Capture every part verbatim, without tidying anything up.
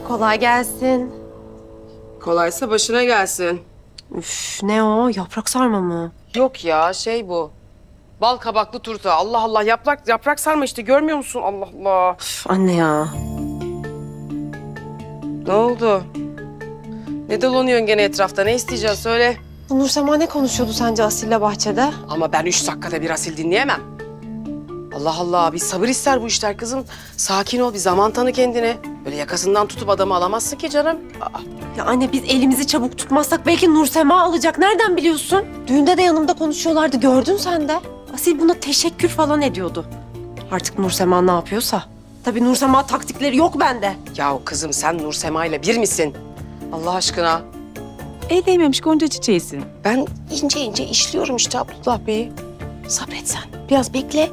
Kolay gelsin. Kolaysa başına gelsin. Üf, ne o? Yaprak sarma mı? Yok ya şey bu. Bal kabaklı turta. Allah Allah yaprak yaprak sarma işte görmüyor musun? Allah Allah. Üf, anne ya. Ne oldu? Ne dolanıyorsun gene etrafta? Ne isteyeceğiz söyle. Nur Sema ne konuşuyordu sence Asil'le bahçede? Ama ben üç dakikada bir asil dinleyemem. Allah Allah bir sabır ister bu işler kızım. Sakin ol bir zaman tanı kendine. Böyle yakasından tutup adamı alamazsın ki canım. Aa, Ya anne biz elimizi çabuk tutmazsak belki Nur Sema alacak. Nereden biliyorsun? Düğünde de yanımda konuşuyorlardı. Gördün sen de. Asil buna teşekkür falan ediyordu. Artık Nur Sema ne yapıyorsa. Tabii Nur Sema taktikleri yok bende. yahu kızım sen Nur Sema ile bir misin? Allah aşkına. El değmemiş gonca çiçeğisin. Ben ince ince işliyorum işte Abdullah Bey'i. Sabret sen. Biraz bekle.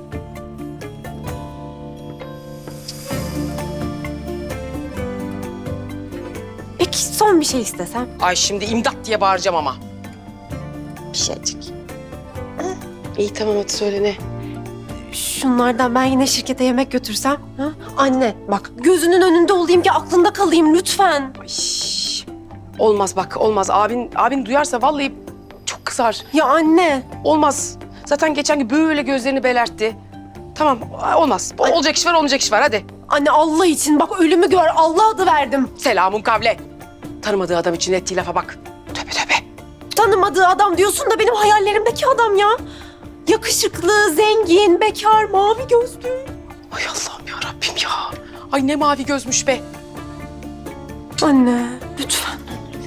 Peki son bir şey istesem? Ay şimdi imdat diye bağıracağım ama. Bir şeycik. İyi tamam hadi söyle ne? Şunlardan ben yine şirkete yemek götürsem. Ha? Anne bak gözünün önünde olayım ki aklında kalayım lütfen. Ay, olmaz bak olmaz. Abin abin duyarsa vallahi çok kızar. Ya anne. Olmaz. Zaten geçen gün böyle gözlerini belertti. Tamam olmaz. Ay. Olacak iş var olmayacak iş var hadi. Anne Allah için bak ölümü gör. Allah adı verdim. Selamun kavle. Tanımadığı adam için ettiği lafa bak. Tövbe tövbe. Tanımadığı adam diyorsun da benim hayallerimdeki adam ya. Yakışıklı, zengin, bekar, mavi gözlü. Ay Allah'ım ya Rabbim ya. Ay ne mavi gözmüş be. Anne lütfen.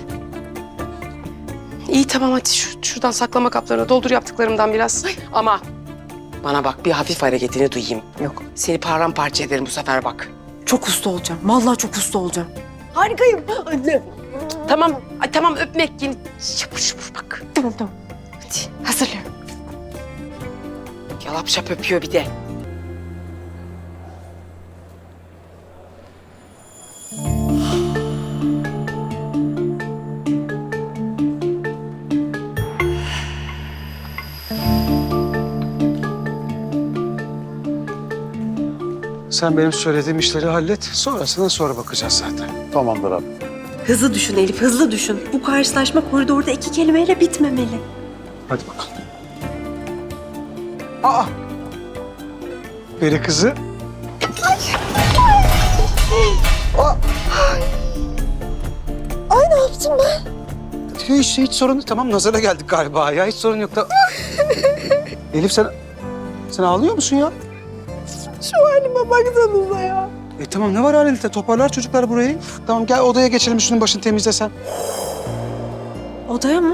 İyi tamam hadi şu, şuradan saklama kaplarına doldur yaptıklarımdan biraz. Ama bana bak bir hafif hareketini duyayım. Yok. Seni paramparça ederim bu sefer bak. Çok usta olacağım. Vallahi çok usta olacağım. Harikayım anne. Tamam, ay, tamam öpmek yine şapur şapur bak. Tamam tamam. Hadi hazırlıyorum. Yalap şap öpüyor bir de. Sen benim söylediğim işleri hallet. Sonrasına sonra bakacağız zaten. Tamamdır abi. Hızlı düşün Elif, hızlı düşün. Bu karşılaşma koridorda iki kelimeyle bitmemeli. Hadi bakalım. Aa! Peri kızı. Ay ne yaptım ben? Hiç, hiç sorun değil. Tamam nazara geldik galiba ya. Hiç sorun yok da. Elif sen... Sen ağlıyor musun ya? Şu halime baksanıza ya. E tamam ne var halinde? Toparlar çocuklar burayı. Tamam gel odaya geçelim üstünün başını temizle sen. Odaya mı?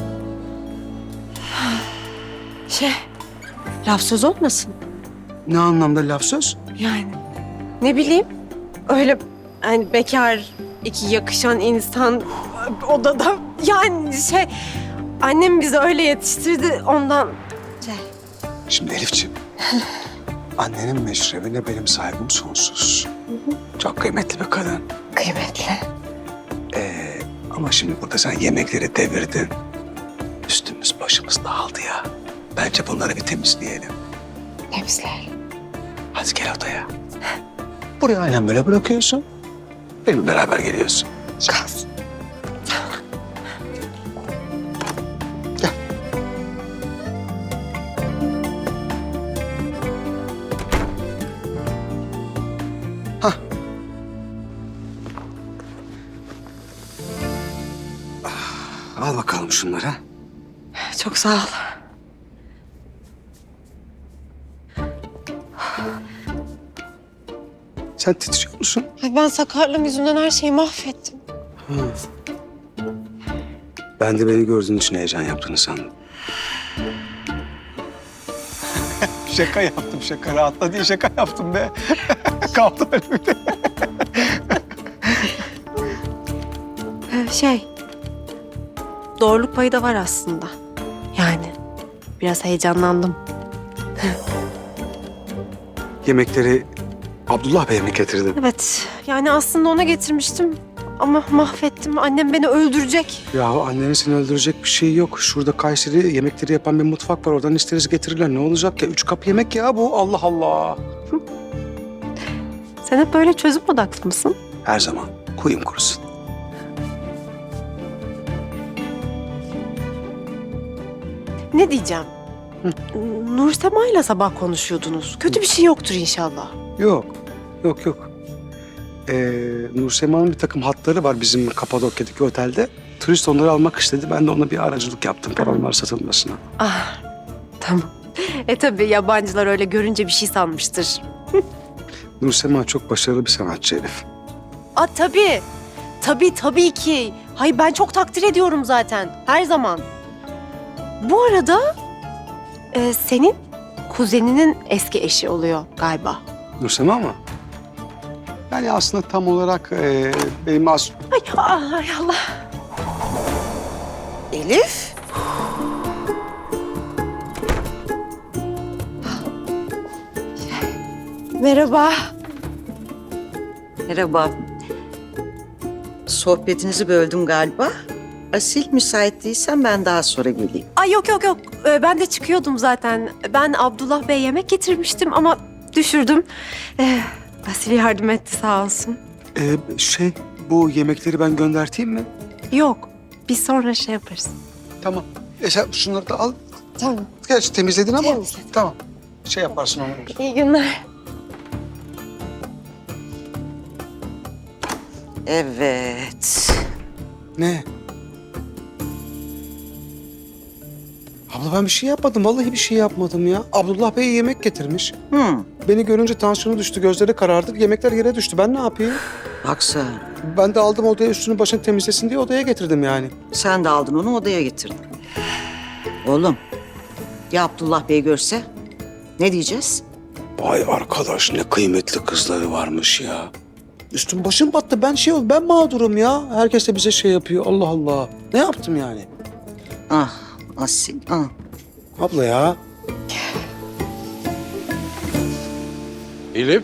Şey, laf söz olmasın. Ne anlamda laf söz? Yani ne bileyim öyle hani bekar iki yakışan insan odada yani şey annem bizi öyle yetiştirdi ondan şey. Şimdi Elifciğim. Annenin meşrebine benim saygım sonsuz. Çok kıymetli bir kadın. Kıymetli. Ee, ama şimdi burada sen yemekleri devirdin. Üstümüz başımız dağıldı ya. Bence bunları bir temizleyelim. Temizler. Hadi gel odaya. Burayı aynen böyle bırakıyorsun. Benimle beraber geliyorsun. Kalsın. Gel. Hah. Ah, al bakalım şunları. Çok sağ ol. Sen titriyor musun? Ay ben sakarlığım yüzünden her şeyi mahvettim. Ben de beni gördüğün için heyecan yaptığını sandım. şaka yaptım şaka. Rahatla diye şaka yaptım be. Kaldı öyle bir de. Ee, şey, doğruluk payı da var aslında. Yani biraz heyecanlandım. Yemekleri Abdullah Bey'e mi getirdin? Evet, yani aslında ona getirmiştim ama mahvettim. Annem beni öldürecek. Yahu annenin seni öldürecek bir şey yok. Şurada Kayseri yemekleri yapan bir mutfak var. Oradan isteriz getirirler. Ne olacak ya? Üç kap yemek ya bu. Allah Allah. Sen hep böyle çözüm odaklı mısın? Her zaman. Kuyum kurusun. Ne diyeceğim? Nursema ile sabah konuşuyordunuz. Kötü bir şey yoktur inşallah. Yok, yok yok. Ee, Nursema'nın bir takım hatları var bizim Kapadokya'daki otelde. Turist onları almak istedi. Ben de ona bir aracılık yaptım onlar satılmasına. Ah, tamam. E tabii yabancılar öyle görünce bir şey sanmıştır. Nursema çok başarılı bir sanatçı Elif. Aa tabii. Tabii tabii ki. Hayır ben çok takdir ediyorum zaten. Her zaman. Bu arada e, senin kuzeninin eski eşi oluyor galiba. Nursema mı? Yani aslında tam olarak e, benim as... Ay, ay Allah. Elif. Merhaba. Merhaba. Sohbetinizi böldüm galiba. Asil, müsait değilsen ben daha sonra geleyim. Ay yok yok yok. Ee, ben de çıkıyordum zaten. Ben Abdullah Bey yemek getirmiştim ama düşürdüm. Ee, Asil yardım etti sağ olsun. E, şey, bu yemekleri ben gönderteyim mi? Yok. Biz sonra şey yaparız. Tamam. E sen şunları da al. Tamam. Gerçi temizledin ama. Temizledim. Tamam. Şey yaparsın onu. İyi günler. Evet. Ne? Abla ben bir şey yapmadım. Vallahi bir şey yapmadım ya. Abdullah Bey yemek getirmiş. Hmm. Beni görünce tansiyonu düştü, gözleri karardı. Yemekler yere düştü. Ben ne yapayım? Bak sen. Ben de aldım odaya üstünü başını temizlesin diye odaya getirdim yani. Sen de aldın onu odaya getirdin. Oğlum. Ya Abdullah Bey görse? Ne diyeceğiz? Vay arkadaş ne kıymetli kızları varmış ya. Üstüm başım battı. Ben şey ol, ben mağdurum ya. Herkes de bize şey yapıyor. Allah Allah. Ne yaptım yani? Ah Asil, ah. Abla ya. Elif.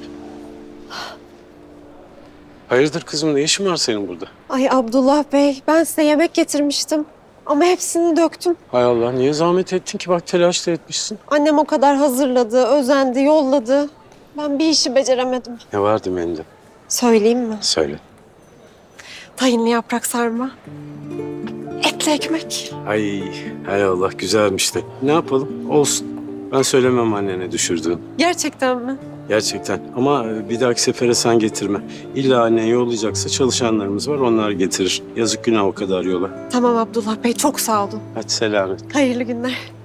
Hayırdır kızım, ne işin var senin burada? Ay Abdullah Bey ben size yemek getirmiştim. Ama hepsini döktüm. Hay Allah, niye zahmet ettin ki? Bak telaş da etmişsin. Annem o kadar hazırladı, özendi, yolladı. Ben bir işi beceremedim. Ne vardı menüde? Söyleyeyim mi? Söyle. Tahinli yaprak sarma. Etli ekmek. Ay, hay Allah, güzelmiş de. Ne yapalım? Olsun. Ben söylemem annene düşürdüğün. Gerçekten mi? Gerçekten. Ama bir dahaki sefere sen getirme. İlla annen yollayacaksa çalışanlarımız var, onlar getirir. Yazık günah o kadar yola. Tamam Abdullah Bey çok sağ olun. Hadi selamet. Hayırlı günler.